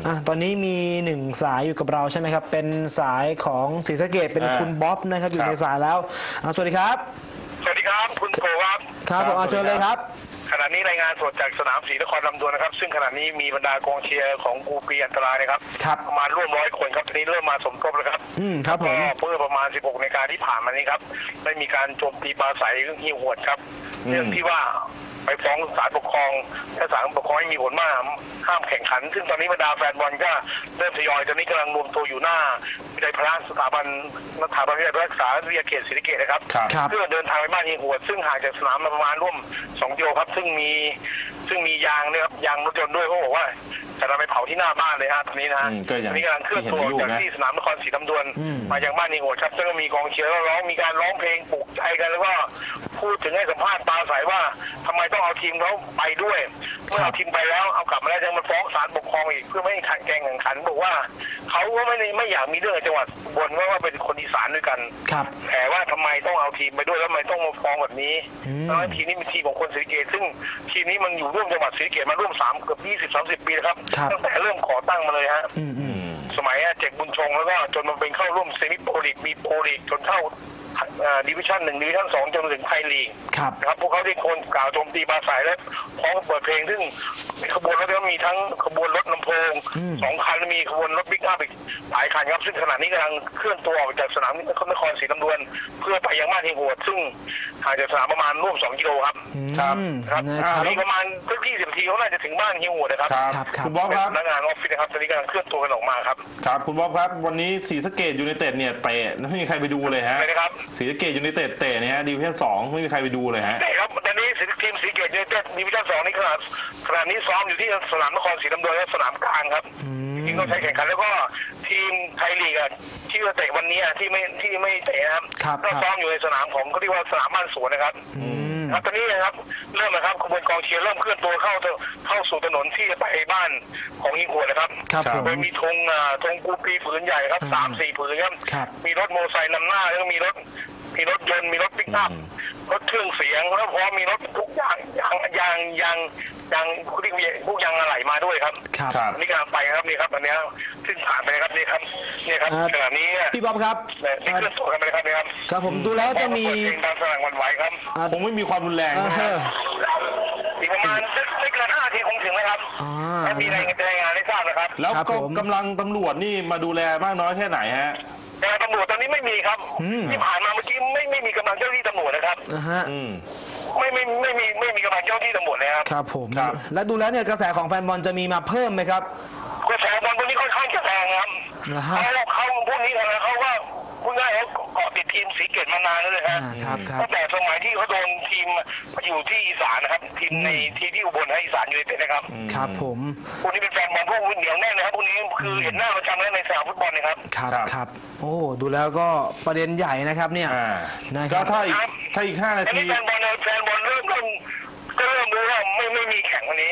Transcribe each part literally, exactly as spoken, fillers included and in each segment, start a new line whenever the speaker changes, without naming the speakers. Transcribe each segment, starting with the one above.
อ่ะตอนนี้มีหนึ่งสายอยู่กับเราใช่ไหมครับเป็นสายของศรีสะเกษเป็นคุณบ๊อบนะครับอยู่ในสายแล้วสวัสดีครับ
สวัสดีครับคุณโกครับ
ครับผมเชิญเลยครับ
ขณะนี้รายงานสดจากสนามศรีนครลำดวนนะครับซึ่งขณะนี้มีบรรดากองเชียร์ของกูปีอันตรายนะครับประมาณร่วมร้อยคนครับตอนนี้เริ่มมาสมทบแล้วครับ
อืมครับผม
เมื่อประมาณสิบหกนาฬิกาที่ผ่านมานี้ครับได้มีการโจมตีปราศัยหิ้วหวดครับเรื่องที่ว่าไปฟ้องศาลปกครองถ้าศาลปกครองไม่มีผลมาห้ามแข่งขันซึ่งตอนนี้บรรดาแฟนบอลก็เริ่มทยอยตอนนี้กำลังรวมตัวอยู่หน้าวิทยาลัยพระสถาบันสถาบันวิทยาลัยรักษาวิทยาเขตศรีสะเกษนะครับเพื่อเดินทางไปบ้านหิ้วหวดซึ่งห่างจากสนามประมาณร่วมสองกิโลครับซึ่งมีซึ่งมียางเนี่ยครับยางรถยนต์ด้วยเขาบอกว่าจะนำไปเผาที่หน้าบ้านเลยฮะตอนนี้นะฮะตอนนี้กำลังเคลื่อนตัวจากที่สนามนครศรีธรรมดวนมายังบ้านหิ้วหวดครับซึ่งมีกองเชียร์ร้องมีการร้องเพลงปลุกใจกันแล้วก็พูดถึงให้สัมภาษณ์ปราศัยว่าทำไมต้องเอาทีมเขาไปด้วยเมื่อเอาทีมไปแล้วเอากลับมาแล้วยังมาฟ้องศาลปกครองอีกเพื่อไม่ให้ขัดแย้งแข่งขันบอกว่าเขาก็ไม่ไม่อยากมีเรื่องจังหวัดบนว่าเป็นคนอีสานด้วยกันแต่ว่าทำไมต้องเอาทีมไปด้วยแล้วทำไมต้องมาฟ้องแบบนี้แล้วทีนี้เป็นทีมของคนศรีสะเกษซึ่งทีมนี้มันอยู่ร่วมจังหวัดศรีสะเกษมาร่วมสามเกือบยี่สิบสามสิบปีแล้วครับตั้งแต่เริ่มก่อตั้งมาเลยฮะสมัยเจ็กบุญชงแล้วก็จนมาเป็นเข้าร่วมเซมิโปรลีกมีโปรลีกจนเข้าดิวิชั่นหนึ่งดิวิชั่นสองจนถึงไทยลีกนะครับพวกเขาได้คนกล่าวโจมตีปราศัยและพร้อมเปิดเพลงซึ่งขบวนรถก็มีทั้งขบวนรถลำโพงสองคันมีขบวนรถบิ๊กอัพอีกหลายคันครับซึ่งขณะนี้กำลังเคลื่อนตัวออกจากสนามนครศรีธรรมดวนเพื่อไปยังบ้านหิ้วหวดซึ่งห่างจากสนามประมาณร่วมสองกิโลครับครับครับมีประมาณสักยี่สิบนาทีเขาน่าจะถึงบ้านหิ้วหวดนะครับ
คุณบ๊อบครับ
พนักงานออฟฟิศนะครับตอนนี้กำลังเคลื่อนตัวกันออกมาครับ
ครับคุณบ๊อบครับวันนี้ศรีสะเกษยูไนเต็ดเนี่ยเตะไม่มีใครไปดูเลยฮะศรีสะเกษยูไนเต็ดเตะเนี่ยดิวิชั่นสองไม่มีใครไปดูเลยฮะ
ใช่ครับตอนนี้ทีมศรีสะเกษยูไนเต็ดดิวิชั่นสองนี่ขนาดขณะนี้ซ้อมอยู่ที่สนามนครศรีธรรมดวนและสนามกลางครับจริงๆต้องใช้แข่งขันแล้วก็ทีมไทยลีกที่จะเตะวันนี้ที่ไม่ที่ไม่เตะนะครับก็ซ้อมอยู่ในสนามของเขาเรียกว่าสนามบ้านสวนนะครับครับตอนนี้นะครับเริ่มนะครับขบวนกองเชียร์เริ่มเคลื่อนตัวเข้าเข้าสู่ถนนที่จะไปบ้านของหิ้วหวดนะครับโดยมีธงธงกูปีผืนใหญ่ครับสามสี่ผืนครับมีรถมอเตอร์ไซค์นำหน้าแล้วก็มีรถมีรถยนต์มีรถปิกอัพรถเครื่องเสียงแล้วพร้อมมีรถทุกอย่างยางยางยางยางคุณีพวกยางอะไหล่มาด้วยครับนี่กำลังไปครับนี่ครับอันนี้ซึ่งผ่านไปครับนี่ครับนี่ครับขณะนี้
พี่บ๊อบครับ
นี่เคลื่อนตัวกันไปครับนี่ครับ
ครับผมดูแล้วจะมี
การสนั่นหวั่นไหวครับ
คงไม่มีความรุนแรงนะครับ
อีกประมาณไม่เกินห้านาทีคงถึงนะครับมีรายงานให้ทราบนะครับ
แล้วก็กำลังตำรวจนี่มาดูแลมากน้อยแค่ไหนฮะ
ตำรวจตอนนี้ไม่มีครับที่ผ่านมาเมื่อกี้ไม่ไม่มีกำลังเจ้าหน้าที่ตำรวจนะครับไม่ไม่ไม่มีไม่มีกำลังเจ้าหน้าที่ตำรวจเลยครับ
ครับผมและดูแล้วเนี่ยกระแสของแฟนบอลจะมีมาเพิ่มไหมครับ
กระแสบอลพวกนี้ค่อนข้างจะแรงครับเขาเขาพวกนี้เขาว่าพูดง่ายเขาเกาะติดทีมศรีสะเกษมานานแล้วเลยฮะตั้งแต่สมัยที่เขาโดนทีมอยู่ที่อีสานนะครับทีมในที่ที่อุบลให้อีสานอยู่ในเป็นนะครับ
ครับผม
พวกนี้เป็นแฟนบอลพวกเหนียวแน่นนะครับพวกนี้คือเห็นหน้าประจำแล้วในสนามฟุตบอลนะครับ
ครับครับโอ้ดูแล้วก็ประเด็นใหญ่นะครับเนี่ย
ก็ถ้าอีกถ้าอีกห้านาที
แฟนบอลแฟนบอลเริ่มเริ่มก็เริ่มรู้ว่าไม่ไม่มีแข่งวันนี้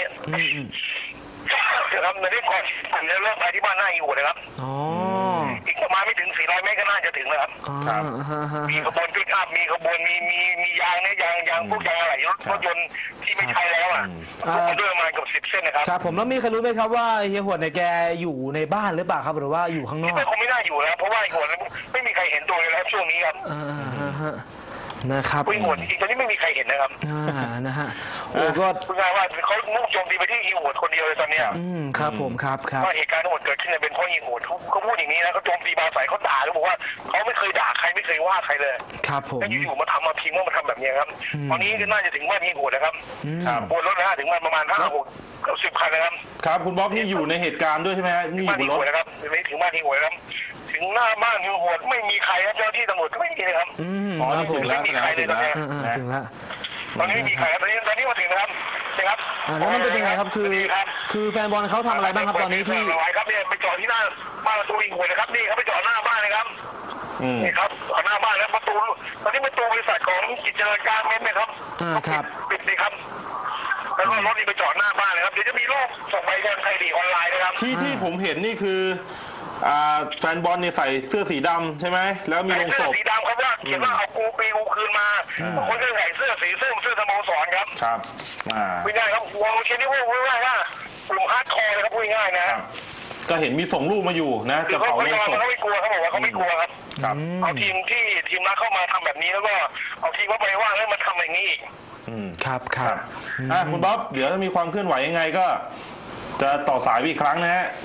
ครับในเรื่องก่อนผมจะเริ่มไปที่บ้านหน้าอยู่นะครับอีกประมาณไม่ถึงสี่ร้อยเมตรก็น่าจะถึงแล้วครับมีขบวนปิกอัพมีขบวนมีมีมียางเนี่ยยางยางพวกยางอะไรรถรถยนต์ที่ไม่ใช้แล้วอ่ะด้วยประมาณเกือบสิบเส้นนะครับ
ครับผมแล้วมีใครรู้ไหมครับว่าเฮียหวดเนี่ยแกอยู่ในบ้านหรือเปล่าครับหรือว่าอยู่ข้างนอก
ไม่คงไม่น่าอยู่แล้วเพราะว่าเฮียหวดไม่มีใครเห็นตัวเลยแล้วช่วงนี้ครับ
นะครับ
หิ้วหวดจริงๆตอนนี้ไม่มีใครเห็นนะครับ
อ่านะฮะโอ้ก็
พูดง่ายว่าเขามุ่งโจมตีไปที่หิ้วหวดคนเดียวเลยตอนนี้
อืมครับผมครับครับ
ว่าเหตุการณ์ทั้งหมดเกิดขึ้นเป็นเพราะหิ้วหวดเขาเขาพูดอย่างนี้นะเขาโจมตีปราศัยเขาด่าเขาบอกว่าเขาไม่เคยด่าใครไม่เคยว่าใครเลย
ครับผม
แล้วอยู่ๆมาทำมาพิงว่ามาทำแบบนี้ครับตอนนี้ก็น่าจะถึงบ้านหิ้วหวดนะครับบนรถนะถึงมันประมาณห้าหกเกือบสิบคันนะครับ
ครับคุณบ๊อบนี่อยู่ในเหตุการณ์ด้วยใช่ไหมฮะนี่อยู่บนรถ
นะครับไม่ถึงบ้านหิ้วหวดครับถึงหน้าบ้านหิ้วหวดไม่มีใครครับเจ้าที่ตำรวจไม่มีเลยครับ
อ๋อถึงแล้ว
ไม่มีใครเลยตอนนี้
ถึงแล้ว
ตอนนี้ไม่มีใครตอนนี้ตอนนี้มาถึงนะครับนะครับ
แล้วมันเป็นยังไงครับคือคือแฟนบอลเขาทำอะไรบ้างครับตอนนี้ที่
ครับเนี่ยไปจอดที่หน้าบ้านประตูหิ้วหวดนะครับนี่เขาไปจอดหน้าบ้านเลยครับนี่ครับหน้าบ้านแล้วประตูตอนนี้ประตูบริษัทของกิจการเม้นไหมครับ
ครับ
ปิดดีครับแล้วก็รถนี่ไปจอดหน้าบ้านเลยครับเดี๋ยวจะมีรูปส่งไปทางไทยลีกออนไลน์นะครับ
ที่ที่ผมเห็นนี่คือแฟนบอลเนี่ยใส่เสื้อสีดำใช่ไหมแล้วมีลงศพ
สีดำเขาว่าเขียนว่าเอากูปีกูคืนมาคนก็ใส่เสื้อสีส้มเสื้อสโมสรครับ
ครับ
ไม่ได้ครับวงเชียร์นี่พูดง่ายๆว่ากลุ่มฮาร์ดคอร์นะครับพูดง่ายนะ
ก็เห็นมีส่งรูปมาอยู่นะ
คือ
จะ
เขา
เผา
เขา
โลงศพ
เขาไม่กลัวเขาบอกว่าเขาไม่กลัวครับ
ครับ
เอาทีมที่ทีมรักเข้ามาทำแบบนี้แล้วก็เอาทีมว่าไปว่าแล้วมาทำอย่างนี้อีก
อืม
ครับค
ค
รั
รั
บบ
อ่ะคุณบ๊อบเดี๋ยวถ้ามีความเคลื่อนไหวยังไงก็ จะต่อสายอีกครั้งนะฮะ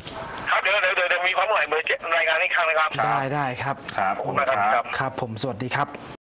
ครับเดี๋ยวเดี๋ยวเดี๋ยวมีความเคลื่อนไหวเบอร์เจ็ดรายงานอีกครั้งนะครับ
ได้ได้ครับ
ครับ
ขอบคุณมากครับ
ครับผมสวัสดีครับ